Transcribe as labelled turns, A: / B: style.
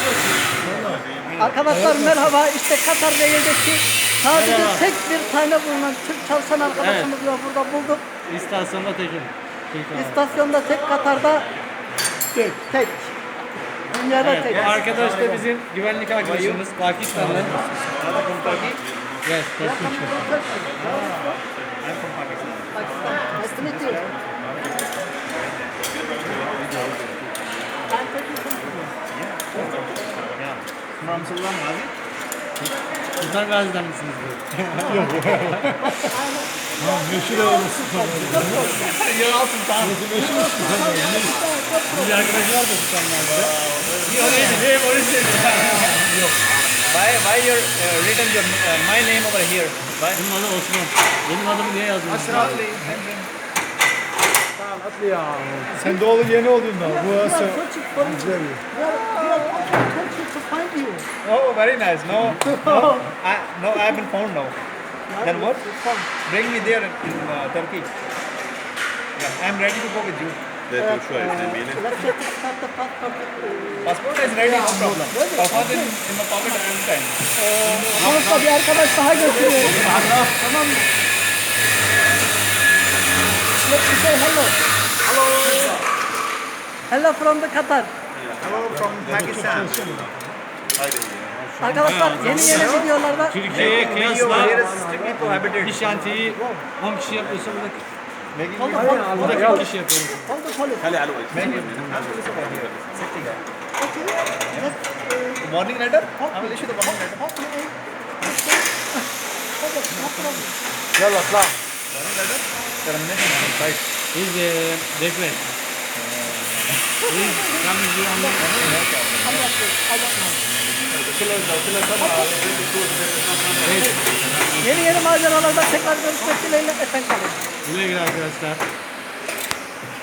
A: Arkadaşlar merhaba. İşte Katar Rail'deki sadece tek bir tane bulunan Türk çalışan arkadaşımız var. Burada bulduk.
B: İstasyonda tekim.
A: İstasyonda tek, Katar'da tek. Dünyada
B: Evet,
A: tek.
B: bu arkadaş da bizim güvenlik arkadaşımız. Pakistanlı. Yes, Turkish.
A: Pakistan. Nice to meet you. I'm Turkish.
C: From Sultan Ghazi?
B: Sultan Gazi'den misiniz?
D: Meşhur olması falan.
C: You're all Sultan.
B: Bir arkadaşı var da Sultan Gazi'de.
C: Why you're written your my name over here? Why?
B: Benim adım Osman. Benim adımı niye yazdınız?
D: Sen doğulu yeni oldun da. Bu
A: We are
D: asıl.
A: searching for you. We are searching to find you.
C: Oh, very nice. No, I've been found now. Then what? Bring me there in Turkey. Yeah, I'm ready to go with you.
A: Let's start the passport.
C: Passport is ready, no problem. Passport is in my pocket all the time.
A: Sonuçta bir arkadaş daha götürüyoruz. Tamam mı? Let's say hello. Hello from the Qatar.
C: Hello from Pakistan.
A: Arkadaşlar yeni videolarda
B: Türkiye'ye
C: Here
B: kıyasla
C: is strictly prohibited.
B: bir şantiyi 10 kişi yapıyorsa
C: Making
B: burada 40 kişi yapıyoruz.
A: hold the police.
C: warning letter? I will issue the warning letter.
D: Yalla atla.
C: Warning letter? Termination on site.
B: Biz request. Biz
A: Yeni maceralarda tekrar görüşmek dileğiyle efendim.
B: Güle güle arkadaşlar.